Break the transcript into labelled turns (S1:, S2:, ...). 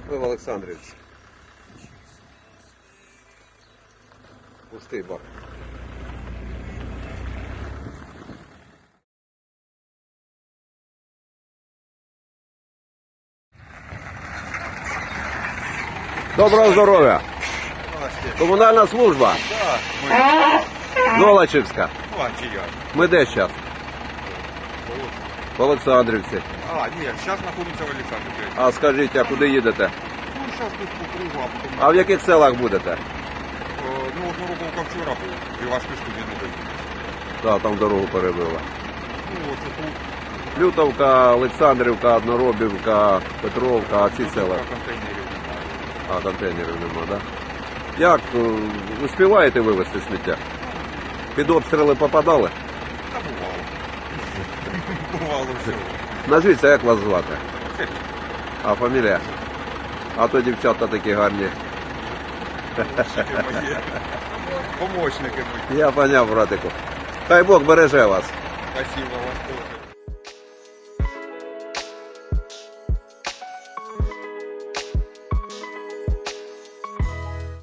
S1: Ми в Олександрівці. Пустий бак. Доброго здоров'я! Комунальна служба. Золочівська. Ми де зараз? В Олександрівці.
S2: А, ні, зараз знаходимося в Олександрівці.
S1: А скажіть, а куди їдете?
S2: Ну, зараз тут по кругу, а потім...
S1: А в яких селах будете?
S2: Ну, Однороковка вчора був, і ваш пішку не доїхали.
S1: Так, там дорогу перебила.
S2: Ну, оце тут.
S1: Лютовка, Олександрівка, Одноробівка, Петровка, а ці села.
S2: Контейнерів немає.
S1: А контейнерів нема, так? Да? Як успіваєте вивезти сміття? Під обстріли попадали?
S2: Та бувало. Бувало всього.
S1: Назвіться, як вас звати?
S2: Федір.
S1: А фамілія? А то дівчата такі гарні.
S2: Помощники мої.
S1: Я поняв, братику. Хай Бог береже вас.
S2: Спасибо.